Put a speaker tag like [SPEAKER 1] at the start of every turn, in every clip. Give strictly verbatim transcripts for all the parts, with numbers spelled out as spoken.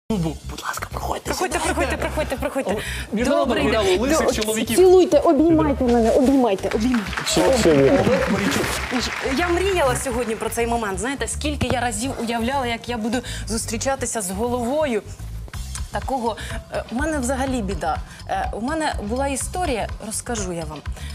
[SPEAKER 1] Будь ласка, проходьте.
[SPEAKER 2] Проходьте, проходьте, проходьте, проходьте.
[SPEAKER 1] Міжнародне фіналу лисих чоловіків.
[SPEAKER 3] Цілуйте, обіймайте мене, обіймайте, обіймайте.
[SPEAKER 2] Я мріяла сьогодні про цей момент. Знаєте, скільки я разів уявляла, як я буду зустрічатися з головою такого. У мене взагалі біда. У мене була історія, розкажу я вам,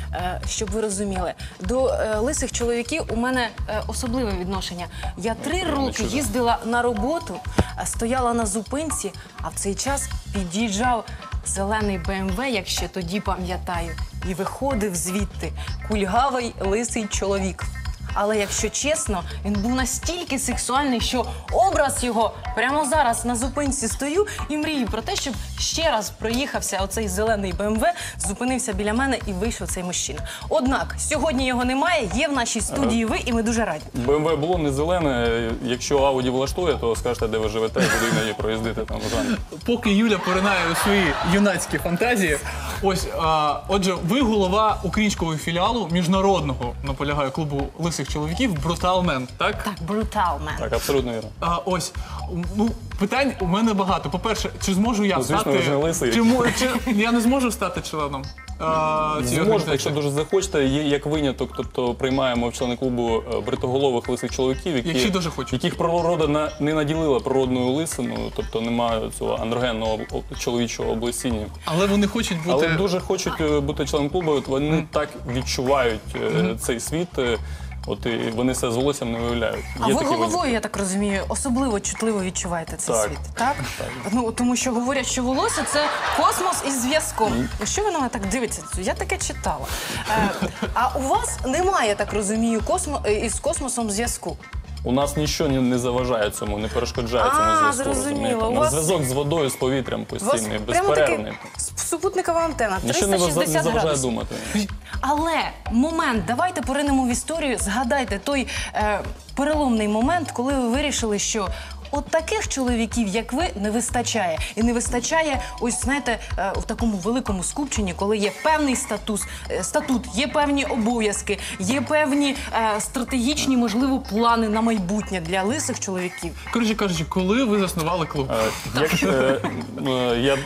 [SPEAKER 2] щоб ви розуміли. До лисих чоловіків у мене особливе відношення. Я три роки їздила на роботу, стояла на зупинці, а в цей час під'їжджав зелений Бе Ем Ве, як ще тоді пам'ятаю, і виходив звідти кульгавий лисий чоловік. Але, якщо чесно, він був настільки сексуальний, що образ його прямо зараз на зупинці стою і мрію про те, щоб ще раз проїхався оцей зелений Бе Ем Ве, зупинився біля мене і вийшов цей мужчина. Однак, сьогодні його немає, є в нашій студії ви, і ми дуже раді.
[SPEAKER 4] Бе Ем Ве було не зелене. Якщо Ауді влаштує, то скажете, де ви живете, буду іноді проїздити там в Жанні.
[SPEAKER 1] Поки Юля поринає у свої юнацькі фантазії, ось, а, отже, ви голова українського філіалу міжнародного, наполягаю, клубу лисих чоловіків «Бруталмен», так?
[SPEAKER 2] Так, Бруталмен.
[SPEAKER 4] Так, абсолютно вірно.
[SPEAKER 1] А, ось, ну, питань у мене багато. По-перше, чи зможу я
[SPEAKER 4] Ну, звісно,
[SPEAKER 1] стати...
[SPEAKER 4] ви ж не лисий.
[SPEAKER 1] Чи, мо- чи я не зможу стати членом а, цієї
[SPEAKER 4] Зможете,
[SPEAKER 1] організації?
[SPEAKER 4] якщо дуже захочете, є як виняток, тобто приймаємо в члени клубу е, бритоголових лисих чоловіків, які,
[SPEAKER 1] Якщо дуже хочуть.
[SPEAKER 4] яких природа на- не наділила природною лисиною, тобто немає цього андрогенного об- чоловічого облесіння.
[SPEAKER 1] Але вони хочуть бути...
[SPEAKER 4] Але дуже хочуть е, бути членом клубу, от вони так відчувають е, цей світ, е, от і вони себе з волоссям не виявляють.
[SPEAKER 2] А
[SPEAKER 4] Є
[SPEAKER 2] ви
[SPEAKER 4] такі
[SPEAKER 2] головою,
[SPEAKER 4] винятки.
[SPEAKER 2] я так розумію, особливо чутливо відчуваєте цей
[SPEAKER 4] Так.
[SPEAKER 2] світ, так? Ну, тому що говорять, що волосся – це космос із зв'язком. Ну, що ви на мене так дивитеся? Я таке читала. Е, а у вас немає, я так розумію, космо, е, із космосом зв'язку?
[SPEAKER 4] У нас нічого не, не заважає цьому, не перешкоджає
[SPEAKER 2] А,
[SPEAKER 4] цьому зв'язку.
[SPEAKER 2] зрозуміло.
[SPEAKER 4] розумієте?
[SPEAKER 2] У
[SPEAKER 4] У нас
[SPEAKER 2] вас-
[SPEAKER 4] зв'язок з водою, з повітрям
[SPEAKER 2] У вас
[SPEAKER 4] постійний,
[SPEAKER 2] прямо
[SPEAKER 4] безперервний.
[SPEAKER 2] таки супутникова антена,
[SPEAKER 4] Нічого не,
[SPEAKER 2] триста
[SPEAKER 4] ваза- не
[SPEAKER 2] шістдесят
[SPEAKER 4] заважає
[SPEAKER 2] градусів.
[SPEAKER 4] думати.
[SPEAKER 2] Але момент, давайте поринемо в історію, згадайте той е, переломний момент, коли ви вирішили, що от таких чоловіків, як ви, не вистачає. І не вистачає, ось, знаєте, е, в такому великому скупченні, коли є певний статус, е, статут, є певні обов'язки, є певні е, стратегічні, можливо, плани на майбутнє для лисих чоловіків.
[SPEAKER 1] Коротше кажучи, коли ви заснували клуб?
[SPEAKER 4] Е, Як е, е, я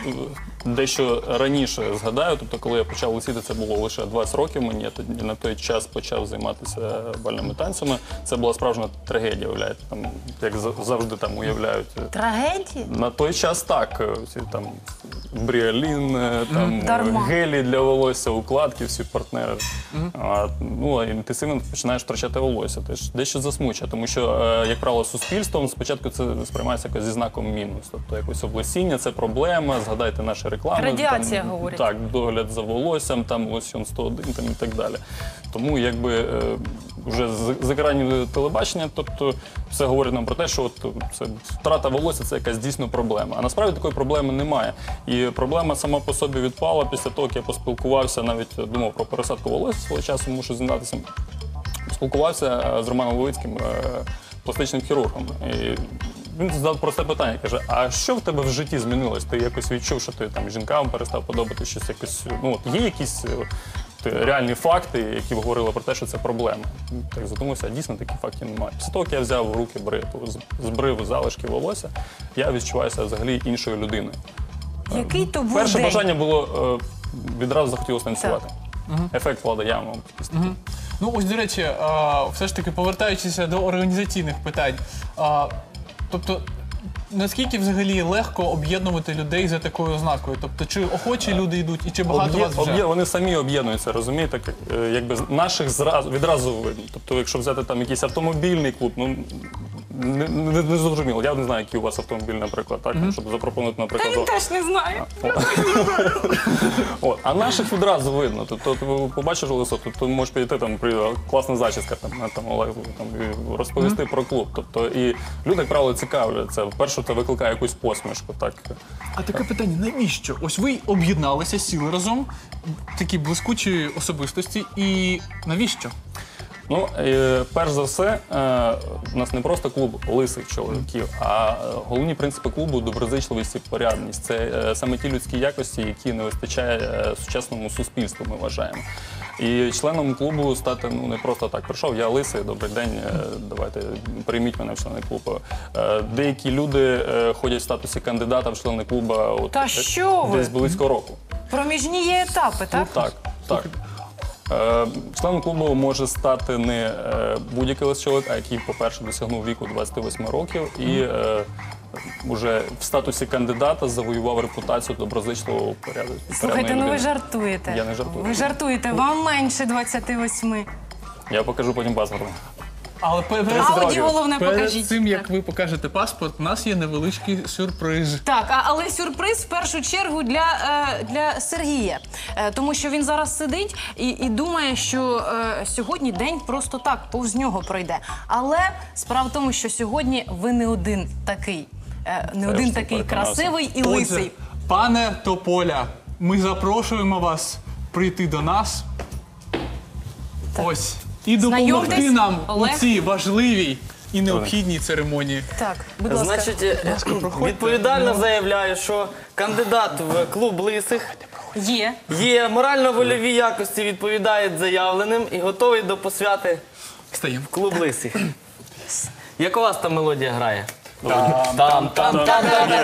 [SPEAKER 4] дещо раніше згадаю, тобто коли я почав лисіти, це було лише двадцять років мені, я тоді на той час почав займатися бальними танцями. Це була справжня трагедія, уявляєте, там, як за- завжди там уявляють.
[SPEAKER 2] Трагедії?
[SPEAKER 4] На той час так, всі там бріалін, е, там
[SPEAKER 2] Дарма.
[SPEAKER 4] гелі для волосся, укладки, всі партнери. А, ну, а інтенсивно починаєш втрачати волосся. Теж дещо засмучує, тому що, е, як правило, суспільством спочатку це сприймається якось зі знаком мінус. Тобто якось облесіння, це проблема, згадайте наші реклами.
[SPEAKER 2] Радіація,
[SPEAKER 4] там,
[SPEAKER 2] говорять.
[SPEAKER 4] Так, догляд за волоссям, там лосьон сто один там, і так далі. Тому якби е, вже з, з екранів телебачення, тобто все говорить нам про те, що от, це, втрата волосся – це якась дійсно проблема. А насправді такої проблеми немає. І проблема сама по собі відпала після того, як я поспілкувався, навіть думав про пересадку волосся, свого часу мушу зізнатися. Спілкувався е, з Романом Левицьким, е, пластичним хірургом. І він задав просте питання, каже, а що в тебе в житті змінилось? Ти якось відчув, що ти там жінкам перестав подобати щось якось, ну от є якісь е, реальні факти, які говорили про те, що це проблема? Так задумався, а дійсно таких фактів немає. Після того, як я взяв в руки бритву, з- збрив залишки волосся, я відчуваюся взагалі іншою людиною.
[SPEAKER 2] Який то був
[SPEAKER 4] Перше
[SPEAKER 2] день?
[SPEAKER 4] бажання було, е, відразу захотілося танцювати. Ефект Влада Яма.
[SPEAKER 1] Ну, ось, до речі, а, все ж таки, повертаючися до організаційних питань, а, тобто, наскільки взагалі легко об'єднувати людей за такою ознакою? Тобто, чи охочі люди йдуть і чи багато
[SPEAKER 4] Об'є-
[SPEAKER 1] вас вже?
[SPEAKER 4] об'є- Вони самі об'єднуються, розумієте? Як, е, якби з- наших зразу, відразу видно. Тобто, якщо взяти там якийсь автомобільний клуб, ну не, не, не зрозуміло. Я не знаю, який у вас автомобіль, наприклад, так, щоб запропонувати, наприклад.
[SPEAKER 2] Він теж не знає.
[SPEAKER 4] От. А наших відразу видно. Тобто ти побачиш лисо, то ти можеш підійти, там при класна зачіска, там, на, там, Олег, там і розповісти про клуб. Тобто, і люди, як правило, цікавляться. Вперше це викликає якусь посмішку. Так.
[SPEAKER 1] А таке питання, навіщо? Ось ви об'єдналися, сіли разом, такі блискучі особистості, і навіщо?
[SPEAKER 4] Ну, е, перш за все, е, у нас не просто клуб лисих чоловіків, а головні принципи клубу – доброзичливість і порядність. Це е, саме ті людські якості, які не вистачає е, сучасному суспільству, ми вважаємо. І членом клубу стати ну не просто так. Прийшов, я лисий, добрий день, е, давайте прийміть мене в члени клубу. Е, Деякі люди е, ходять в статусі кандидата в члени клубу от,
[SPEAKER 2] Та що ви?
[SPEAKER 4] десь близько року.
[SPEAKER 2] Проміжні є етапи, так?
[SPEAKER 4] Так, так. Е, Членом клубу може стати не е, будь-який лист чоловік, а який, по-перше, досягнув віку двадцяти восьми років і е, вже в статусі кандидата завоював репутацію доброзичливого порядку.
[SPEAKER 2] Слухайте, ну ви жартуєте.
[SPEAKER 4] Я не жартую.
[SPEAKER 2] Ви жартуєте, вам менше двадцяти восьми.
[SPEAKER 4] Я покажу потім паспорт.
[SPEAKER 1] Але перед,
[SPEAKER 2] Ауді
[SPEAKER 4] років.
[SPEAKER 2] головне
[SPEAKER 1] перед
[SPEAKER 2] покажіть.
[SPEAKER 1] цим, як
[SPEAKER 2] Так.
[SPEAKER 1] ви покажете паспорт, у нас є невеличкий сюрприз.
[SPEAKER 2] Так, а- але сюрприз в першу чергу для, е, для Сергія. Е, тому що він зараз сидить і, і думає, що е, сьогодні день просто так, повз нього пройде. Але справа в тому, що сьогодні ви не один такий. Е, не
[SPEAKER 4] Це
[SPEAKER 2] один
[SPEAKER 4] ж
[SPEAKER 2] такий
[SPEAKER 4] переконався.
[SPEAKER 2] красивий і
[SPEAKER 1] Отже,
[SPEAKER 2] лисий.
[SPEAKER 1] пане Тополя, ми запрошуємо вас прийти до нас. Ось. І допомогти
[SPEAKER 2] Знайомтесь,
[SPEAKER 1] нам у
[SPEAKER 2] Олег.
[SPEAKER 1] цій важливій і необхідній церемонії.
[SPEAKER 2] Так, будь ласка.
[SPEAKER 5] Значить, е, відповідально заявляю, що кандидат в клуб лисих
[SPEAKER 2] Є.
[SPEAKER 5] є морально-вольові якості, відповідає заявленим і готовий до посвяти
[SPEAKER 1] Стаємо.
[SPEAKER 5] в клуб лисих. Як у вас там мелодія грає? Там, там, там.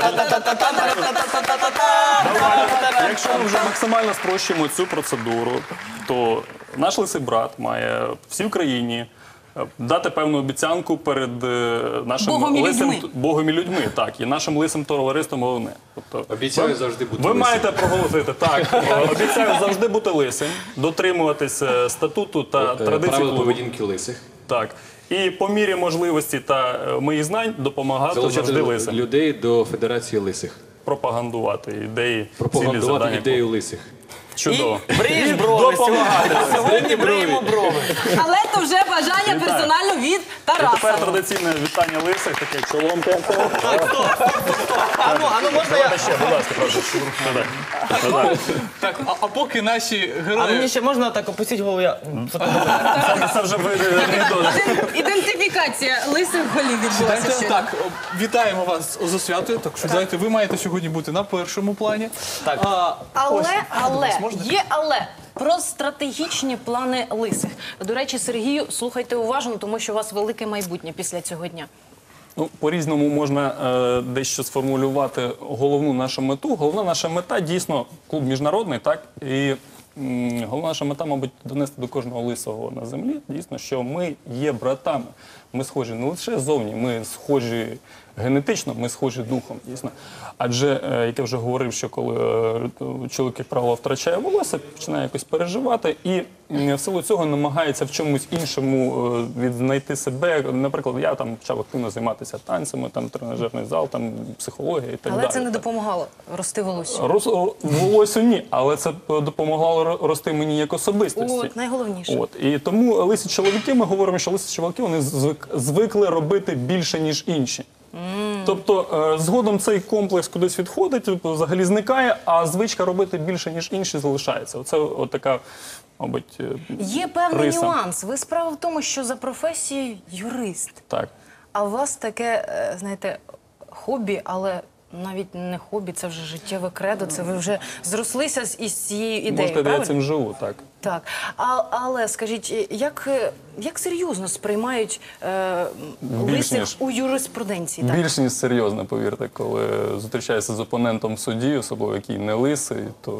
[SPEAKER 4] Якщо ми вже максимально спрощуємо цю процедуру, то наш лисий брат має всій Україні е, дати певну обіцянку перед е, нашим
[SPEAKER 2] Богом і
[SPEAKER 4] лисим
[SPEAKER 2] людьми.
[SPEAKER 4] Богом і людьми, так, і нашим лисим товариством головне. Тобто,
[SPEAKER 6] Обіцяю
[SPEAKER 4] ви-
[SPEAKER 6] завжди бути
[SPEAKER 4] Ви
[SPEAKER 6] лисим.
[SPEAKER 4] маєте проголосити, так, е, обіцяю завжди бути лисим, дотримуватися статуту та
[SPEAKER 6] Е,
[SPEAKER 4] традицій
[SPEAKER 6] Правила
[SPEAKER 4] клубу.
[SPEAKER 6] поведінки лисих.
[SPEAKER 4] Так. І по мірі можливості та е, моїх знань допомагати
[SPEAKER 6] Залучати
[SPEAKER 4] завжди лисим.
[SPEAKER 6] людей до Федерації лисих.
[SPEAKER 4] Пропагандувати ідеї, цілі
[SPEAKER 6] Пропагандувати
[SPEAKER 4] завдання.
[SPEAKER 6] ідею лисих.
[SPEAKER 4] Чудово.
[SPEAKER 5] І бриєш брови сьогодні. Сьогодні бриємо брови.
[SPEAKER 2] Але то вже бажання персонально від
[SPEAKER 4] І тепер
[SPEAKER 2] Тараса.
[SPEAKER 4] традиційне вітання лисих, таке чолом.
[SPEAKER 5] А ну, а ну можна я?
[SPEAKER 4] Ще, будь ласка, прошу. Да-да.
[SPEAKER 1] Так, а, а поки наші
[SPEAKER 5] А
[SPEAKER 1] герої...
[SPEAKER 5] мені ще можна так опустити голову? Я...
[SPEAKER 4] Це- Це вже ви
[SPEAKER 2] Ідентифікація лисих голів відбулася
[SPEAKER 1] Дайте
[SPEAKER 2] сьогодні.
[SPEAKER 1] так, о, вітаємо вас з освятою. Так що знаєте, ви маєте сьогодні бути на першому плані.
[SPEAKER 5] Так.
[SPEAKER 1] А, ось,
[SPEAKER 2] Але,
[SPEAKER 1] а, до
[SPEAKER 2] але,
[SPEAKER 1] вас можна?
[SPEAKER 2] є але. Про стратегічні плани лисих. До речі, Сергію, слухайте уважно, тому що у вас велике майбутнє після цього дня.
[SPEAKER 4] Ну, по-різному можна е, дещо сформулювати головну нашу мету. Головна наша мета дійсно клуб міжнародний, так? І м, головна наша мета, мабуть, донести до кожного лисого на землі, дійсно, що ми є братами. Ми схожі не лише зовні, ми схожі генетично, ми схожі духом, дійсно. Адже, е, як я вже говорив, що коли е, чоловік, як правило, втрачає волосся, починає якось переживати і м, в силу цього намагається в чомусь іншому е, відзнайти себе. Наприклад, я там почав активно займатися танцями, там тренажерний зал, там психологія і так
[SPEAKER 2] Але
[SPEAKER 4] далі.
[SPEAKER 2] це не
[SPEAKER 4] так.
[SPEAKER 2] допомагало рости волосся.
[SPEAKER 4] Рос, волосю ні, але це допомагало ро- рости мені як особистості.
[SPEAKER 2] От, найголовніше.
[SPEAKER 4] От. І тому лисі чоловіки, ми говоримо, що лисі чоловіки вони звик, звикли робити більше, ніж інші. Тобто е, згодом цей комплекс кудись відходить, тобто, взагалі зникає, а звичка робити більше, ніж інші, залишається. Оце от така, мабуть, е,
[SPEAKER 2] Є певний
[SPEAKER 4] риса.
[SPEAKER 2] нюанс. Ви справа в тому, що за професією юрист.
[SPEAKER 4] Так.
[SPEAKER 2] А у вас таке, е, знаєте, хобі, але навіть не хобі, це вже життєве кредо, це ви вже зрослися з- із цією ідеєю,
[SPEAKER 4] Можете, я
[SPEAKER 2] правильно?
[SPEAKER 4] цим живу, так.
[SPEAKER 2] Так, а, але скажіть, як, е, як серйозно сприймають е,
[SPEAKER 4] Більш
[SPEAKER 2] лисих
[SPEAKER 4] ніж.
[SPEAKER 2] у юриспруденції? Так?
[SPEAKER 4] Більш ніж серйозно, повірте, коли зустрічаєшся з опонентом в суді, особливо який не лисий, то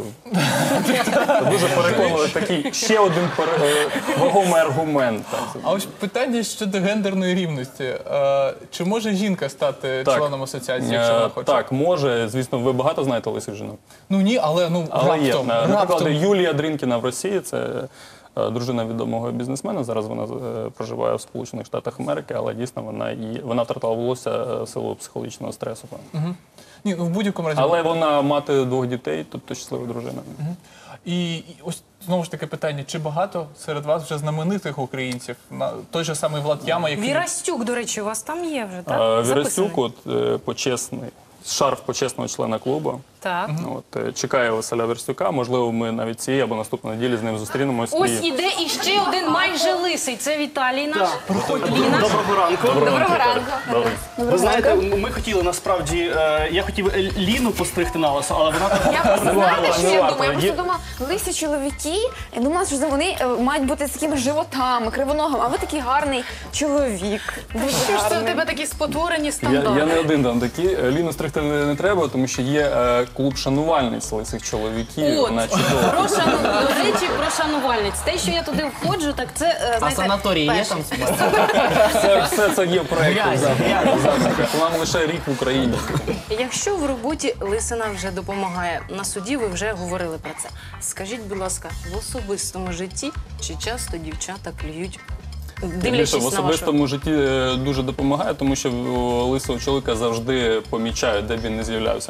[SPEAKER 4] це дуже переконливий такий ще один пере- е, вагомий аргумент. Так.
[SPEAKER 1] А ось питання щодо гендерної рівності. Е, чи може жінка стати
[SPEAKER 4] Так.
[SPEAKER 1] членом асоціації, якщо
[SPEAKER 4] Е,
[SPEAKER 1] вона хоче?
[SPEAKER 4] Так, може. Звісно, ви багато знаєте лисих жінок.
[SPEAKER 1] Ну ні, але ну
[SPEAKER 4] Але є.
[SPEAKER 1] раптом,
[SPEAKER 4] Наприклад,
[SPEAKER 1] раптом.
[SPEAKER 4] Юлія Дринкіна в Росії, це е, дружина відомого бізнесмена. Зараз вона е, проживає в Сполучених Штатах Америки, але дійсно вона, є- вона втратила волосся е, в силу психологічного стресу.
[SPEAKER 1] Ні, ну в будь-якому разі.
[SPEAKER 4] Але вона мати двох дітей, тобто щаслива дружина.
[SPEAKER 1] І, і ось знову ж таки питання: чи багато серед вас вже знаменитих українців? На той же самий Влад Яма, який
[SPEAKER 2] Вірастюк, до речі, у вас там є вже, так?
[SPEAKER 4] А,
[SPEAKER 2] Записаний?
[SPEAKER 4] Вірастюк, от е, почесний шарф почесного члена клубу.
[SPEAKER 2] Так.
[SPEAKER 4] От, е, чекає Василя Верстюка. Можливо, ми навіть цієї або наступної неділі з ним зустрінемось.
[SPEAKER 2] Ось
[SPEAKER 4] і...
[SPEAKER 2] іде іще один майже лисий. Це Віталій наш. Ліна.
[SPEAKER 7] Доброго ранку.
[SPEAKER 2] Доброго ранку.
[SPEAKER 4] Добре.
[SPEAKER 7] Ви знаєте, ми хотіли насправді, е, я хотів Ліну постригти на лисо, але вона так
[SPEAKER 8] Я просто
[SPEAKER 7] не
[SPEAKER 8] знаєте,
[SPEAKER 7] варто,
[SPEAKER 8] що
[SPEAKER 7] не
[SPEAKER 8] я
[SPEAKER 7] варто.
[SPEAKER 8] думаю? Я
[SPEAKER 7] Є-
[SPEAKER 8] просто думала, лисі чоловіки, я думала, що вони е, мають бути з такими животами, кривоногими, а ви такий гарний чоловік. Дуже
[SPEAKER 2] Що ж це в
[SPEAKER 8] гарний.
[SPEAKER 2] тебе такі спотворені
[SPEAKER 4] Я,
[SPEAKER 2] стандарти?
[SPEAKER 4] я не один там такий. Ліну стригти не, не треба, тому що є е, клуб шанувальниць лисих чоловіків.
[SPEAKER 2] От,
[SPEAKER 4] Вона чудова.
[SPEAKER 2] про шану... до речі, про шанувальниць. Те, що я туди входжу, так це, е,
[SPEAKER 5] А
[SPEAKER 2] знаєте,
[SPEAKER 5] санаторії є
[SPEAKER 2] перше.
[SPEAKER 5] там?
[SPEAKER 4] Все, все це є в проєкті
[SPEAKER 5] Грязь,
[SPEAKER 4] завтра. Завтра. Нам лише рік в Україні.
[SPEAKER 2] Якщо в роботі лисина вже допомагає, на суді ви вже говорили про це. Скажіть, будь ласка, в особистому житті чи часто дівчата клюють,
[SPEAKER 4] Більше
[SPEAKER 2] дивлячись
[SPEAKER 4] в
[SPEAKER 2] на вашу...
[SPEAKER 4] особистому житті е, дуже допомагає, тому що у лисого чоловіка завжди помічають, де б він не з'являвся.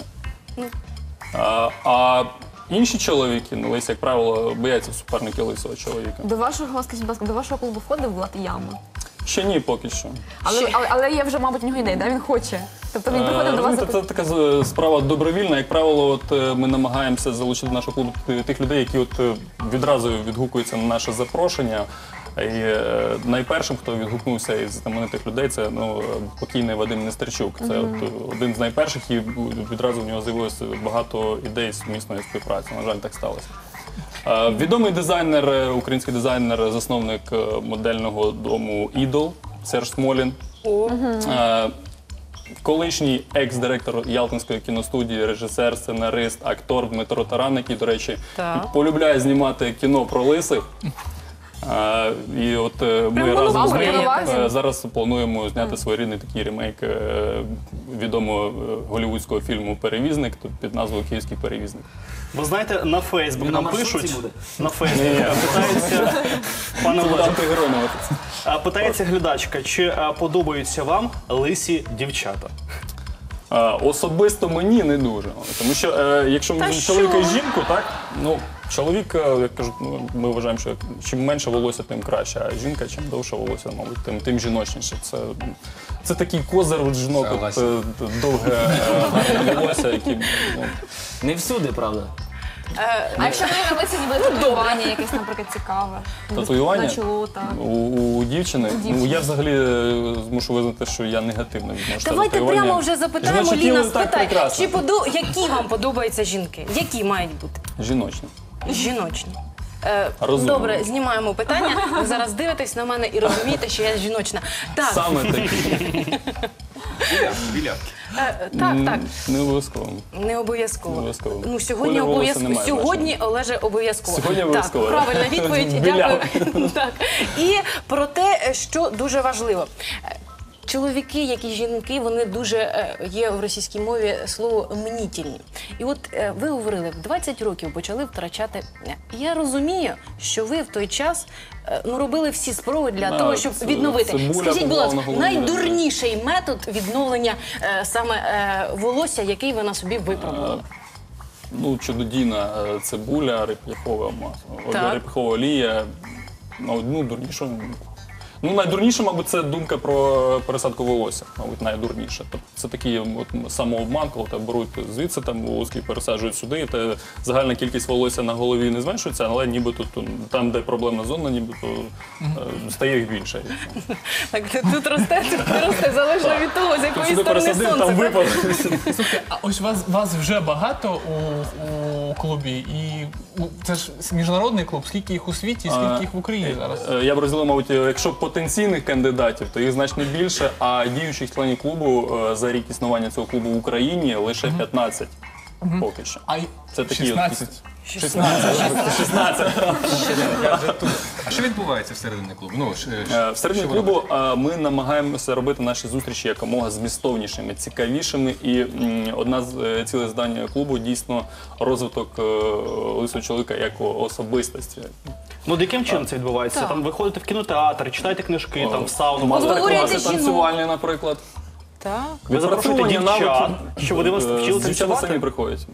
[SPEAKER 4] А, а інші чоловіки, ну, лисі, як правило, бояться суперники лисого чоловіка.
[SPEAKER 8] До вашого, скажіть, будь ласка, до вашого клубу входив Влад Яма?
[SPEAKER 4] Ще ні, поки що.
[SPEAKER 8] Але, але, але є вже, мабуть, у нього ідея, да? Він хоче. Тобто він приходив
[SPEAKER 4] Е,
[SPEAKER 8] до вас...
[SPEAKER 4] розумієте, Це така з- справа добровільна. Як правило, от е, ми намагаємося залучити до нашого клубу т- тих людей, які от е, відразу відгукуються на наше запрошення. І е, найпершим, хто відгукнувся із знаменитих людей, це ну, е, покійний Вадим Нестерчук. Це от, е, один з найперших, і відразу в нього з'явилося багато ідей сумісної співпраці. На жаль, так сталося. Е, Відомий дизайнер, е, український дизайнер, засновник е, модельного дому «Ідол» Серж Смолін. Е, Колишній екс-директор Ялтинської кіностудії, режисер, сценарист, актор Дмитро Таран, який, до речі,
[SPEAKER 2] Так.
[SPEAKER 4] полюбляє знімати кіно про лисих. А, і от е, ми
[SPEAKER 2] Прямо
[SPEAKER 4] разом з
[SPEAKER 2] на
[SPEAKER 4] ним
[SPEAKER 8] увазі.
[SPEAKER 4] е, зараз плануємо зняти своєрідний такий ремейк е, відомого е, голівудського фільму «Перевізник» тут під назвою «Київський перевізник».
[SPEAKER 7] Ви знаєте, на Фейсбук
[SPEAKER 5] На
[SPEAKER 7] нам
[SPEAKER 5] маршрутці
[SPEAKER 7] пишуть,
[SPEAKER 5] буде?
[SPEAKER 7] на Фейсбук питається, пане
[SPEAKER 4] Це буде
[SPEAKER 7] Олеже,
[SPEAKER 4] антигеронове.
[SPEAKER 7] а, питається глядачка, чи а, подобаються вам лисі дівчата?
[SPEAKER 4] Е, Особисто мені не дуже. Тому що е, якщо ми
[SPEAKER 2] Та
[SPEAKER 4] візьмемо
[SPEAKER 2] що?
[SPEAKER 4] чоловіка і жінку, так, ну, чоловік, е, як кажуть, ну, ми вважаємо, що чим менше волосся, тим краще, а жінка, чим довше волосся, мабуть, тим, тим жіночніше. Це, це такий козир у жінок, от,
[SPEAKER 6] Согласен.
[SPEAKER 4] е, довге е, гарне волосся, які, ну,
[SPEAKER 5] Не всюди, правда.
[SPEAKER 8] А якщо ви на лисі ніби татуювання якесь, наприклад, цікаве?
[SPEAKER 4] Татуювання?
[SPEAKER 8] На чоло, так.
[SPEAKER 4] У, у дівчини, ну я взагалі е, змушу визнати, що я негативно відношу.
[SPEAKER 2] Давайте прямо вже запитаємо,
[SPEAKER 4] Жіноче
[SPEAKER 2] Ліна,
[SPEAKER 4] тіло так
[SPEAKER 2] спитай,
[SPEAKER 4] прекрасно.
[SPEAKER 2] чи подо... які вам подобаються жінки? Які мають бути?
[SPEAKER 4] Жіночне.
[SPEAKER 2] Жіночні. Е,
[SPEAKER 4] Розумно.
[SPEAKER 2] добре, знімаємо питання. Ви зараз дивитесь на мене і розумієте, що я жіночна. Так,
[SPEAKER 4] Саме такі.
[SPEAKER 6] Білявки.
[SPEAKER 2] е, так, так.
[SPEAKER 4] Не обов'язково.
[SPEAKER 2] Не обов'язково.
[SPEAKER 4] Не обов'язково.
[SPEAKER 2] Ну, сьогодні
[SPEAKER 4] Колір волосся
[SPEAKER 2] обов'язково.
[SPEAKER 4] не має
[SPEAKER 2] Сьогодні, Олеже, обов'язково.
[SPEAKER 4] Сьогодні обов'язково,
[SPEAKER 2] Так,
[SPEAKER 4] да.
[SPEAKER 2] правильна відповідь.
[SPEAKER 4] Біляв.
[SPEAKER 2] Дякую. Так. І про те, що дуже важливо. Чоловіки, як і жінки, вони дуже е, є в російській мові слово мнітільні. І от е, ви говорили, в двадцять років почали втрачати. Я розумію, що ви в той час е, ну, робили всі спроби для
[SPEAKER 4] Да,
[SPEAKER 2] того, щоб
[SPEAKER 4] це-
[SPEAKER 2] відновити.
[SPEAKER 4] цибуля
[SPEAKER 2] Скажіть, будь
[SPEAKER 4] побувала
[SPEAKER 2] ласка,
[SPEAKER 4] на голові.
[SPEAKER 2] найдурніший метод відновлення е, саме е, волосся, який ви на собі випробували?
[SPEAKER 4] Ну, чудодійна е, цибуля, реп'яхова маса,
[SPEAKER 2] Так.
[SPEAKER 4] реп'яхова олія. Ну, ну, дурніше. Ну, найдурніше, мабуть, це думка про пересадку волосся, мабуть, найдурніше. Тобто це такий от, самообман, коли тебе беруть звідси там волоски пересаджують сюди, і те загальна кількість волосся на голові не зменшується, але нібито тут, там, де проблемна зона, нібито е, стає їх більше.
[SPEAKER 2] Так, тут росте, тут не росте, залежно від того, з
[SPEAKER 4] Тут
[SPEAKER 2] якої
[SPEAKER 4] сюди
[SPEAKER 2] сторони
[SPEAKER 4] пересадив,
[SPEAKER 2] сонце.
[SPEAKER 4] там
[SPEAKER 2] так?
[SPEAKER 4] випав.
[SPEAKER 1] Слухайте, а ось вас, вас вже багато у, у клубі, і ну, це ж міжнародний клуб. Скільки їх у світі, скільки їх в Україні зараз?
[SPEAKER 4] Е, Я б розділив, мабуть, якщо потенційних кандидатів, то їх значно більше, а діючих членів клубу е, за рік існування цього клубу в Україні лише п'ятнадцять поки що.
[SPEAKER 1] А й-
[SPEAKER 4] Це такі от
[SPEAKER 1] шістнадцять.
[SPEAKER 4] шістнадцять. шістнадцять.
[SPEAKER 6] Я вже тут. А що відбувається всередині клубу? Ну, ш- ш-
[SPEAKER 4] Е, Всередині
[SPEAKER 6] що ви
[SPEAKER 4] клубу е, ми намагаємося робити наші зустрічі якомога змістовнішими, цікавішими. І м, одна з е, цілей завдань клубу дійсно розвиток е, лисого чоловіка як особистості.
[SPEAKER 7] Ну, от яким чином це відбувається? Там ви ходите в кінотеатр, читаєте книжки, там в сауну,
[SPEAKER 2] Обговорюєте
[SPEAKER 4] Мастер-класи
[SPEAKER 2] жінок.
[SPEAKER 4] танцювальні, наприклад.
[SPEAKER 2] Так.
[SPEAKER 7] ви запрошуєте
[SPEAKER 4] Відпрацьовані
[SPEAKER 7] дівчат,
[SPEAKER 4] навики.
[SPEAKER 7] щоб вони вас
[SPEAKER 4] Е,
[SPEAKER 7] вчили
[SPEAKER 4] Дівчата самі
[SPEAKER 7] танцювати?
[SPEAKER 4] приходять.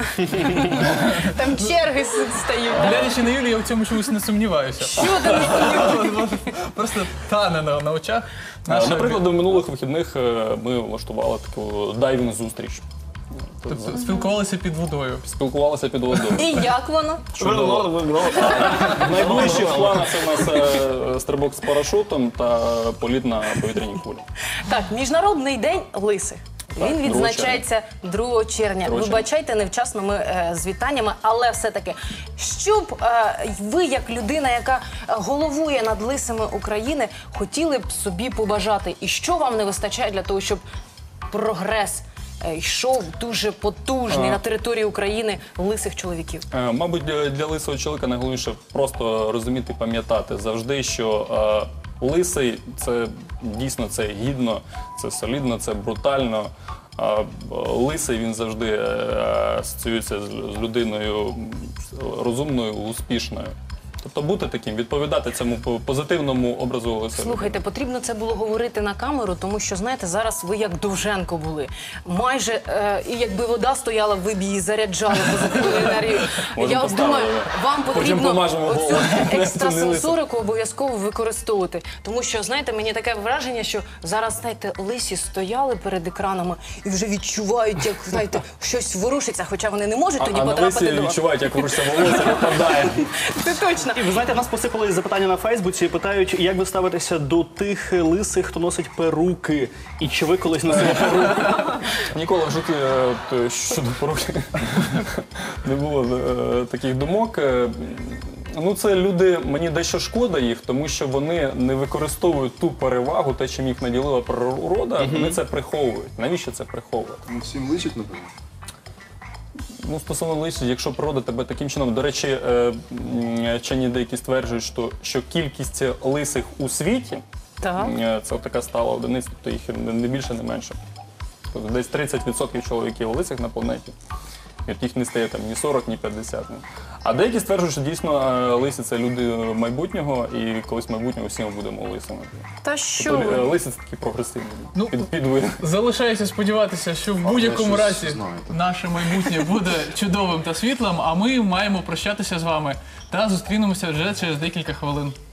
[SPEAKER 2] Там черги с- стають. так?
[SPEAKER 1] Глядячи на Юлію, я в цьому чомусь не сумніваюся.
[SPEAKER 2] Що ти не сподіваєшся?
[SPEAKER 1] Просто тане на, на очах.
[SPEAKER 4] Е,
[SPEAKER 1] Наша-
[SPEAKER 4] Наприклад, до минулих вихідних е, ми влаштували таку дайвінг-зустріч.
[SPEAKER 1] Тобто спілкувалися під водою.
[SPEAKER 4] Спілкувалися під водою.
[SPEAKER 2] І як воно?
[SPEAKER 4] Чудово. В найближчих планах у нас е, стрибок з парашутом та політ на повітряній кулі.
[SPEAKER 2] Так, Міжнародний день лисих.
[SPEAKER 4] Так,
[SPEAKER 2] Він
[SPEAKER 4] другого
[SPEAKER 2] відзначається другого червня.
[SPEAKER 4] другого
[SPEAKER 2] Вибачайте, невчасно ми е, з вітаннями, але все-таки, що б е, ви, як людина, яка головує над лисами України, хотіли б собі побажати? І що вам не вистачає для того, щоб прогрес е, йшов дуже потужний
[SPEAKER 4] А.
[SPEAKER 2] на території України лисих чоловіків?
[SPEAKER 4] Е, Мабуть, для, для лисого чоловіка найголовніше просто розуміти, пам'ятати завжди, що е, лисий це дійсно це гідно, це солідно, це брутально. А е, лисий він завжди е, асоціюється з, з людиною розумною, успішною. Тобто бути таким, відповідати цьому по- позитивному образу лиса.
[SPEAKER 2] Слухайте, потрібно це було говорити на камеру, тому що, знаєте, зараз ви як Довженко були. Майже, е, і якби вода стояла, ви б її заряджали позитивною енергією.
[SPEAKER 4] Можемо
[SPEAKER 2] Я от
[SPEAKER 4] поставити.
[SPEAKER 2] думаю, вам
[SPEAKER 4] Потім
[SPEAKER 2] потрібно
[SPEAKER 4] помажемо
[SPEAKER 2] оцю
[SPEAKER 4] голову.
[SPEAKER 2] екстрасенсорику обов'язково використовувати. Тому що, знаєте, мені таке враження, що зараз, знаєте, лисі стояли перед екранами і вже відчувають, як, знаєте, щось ворушиться, хоча вони не можуть
[SPEAKER 4] А,
[SPEAKER 2] тоді
[SPEAKER 4] а на
[SPEAKER 2] потрапити
[SPEAKER 4] лисі
[SPEAKER 2] до...
[SPEAKER 4] відчувають, як ворушиться волосся, випадає.
[SPEAKER 2] Це точно.
[SPEAKER 7] І ви знаєте, в нас посипали запитання на Фейсбуці, питають, як ви ставитеся до тих лисих, хто носить перуки, і чи ви колись носили перуки?
[SPEAKER 4] Ніколи в житті е, от, щодо поруки не було е, таких думок. Е, Ну, це люди, мені дещо шкода їх, тому що вони не використовують ту перевагу, те, чим їх наділила природа, вони це приховують. Навіщо це приховувати?
[SPEAKER 9] Ну, всім личить, напевно.
[SPEAKER 4] Ну, стосовно лисів, якщо природа тебе таким чином, до речі, е, м, вчені деякі стверджують, що, що кількість лисих у світі,
[SPEAKER 2] Так.
[SPEAKER 4] е, це така стала одиниця, тобто їх не не більше, не менше. Тобто десь тридцять відсотків чоловіків лисих на планеті. І от їх не стає там ні сорок, ні п'ятдесят. ну. А деякі стверджують, що дійсно е, лисі це люди майбутнього, і колись в майбутнього всі ми будемо лисими.
[SPEAKER 2] Та що
[SPEAKER 4] Тобто е,
[SPEAKER 2] ви?
[SPEAKER 4] лисі це такі прогресивні
[SPEAKER 1] Ну,
[SPEAKER 4] під, підвид.
[SPEAKER 1] Залишається сподіватися, що в будь-якому
[SPEAKER 9] щось
[SPEAKER 1] разі
[SPEAKER 9] знаєте.
[SPEAKER 1] наше майбутнє буде чудовим та світлим, а ми маємо прощатися з вами та зустрінемося вже через декілька хвилин.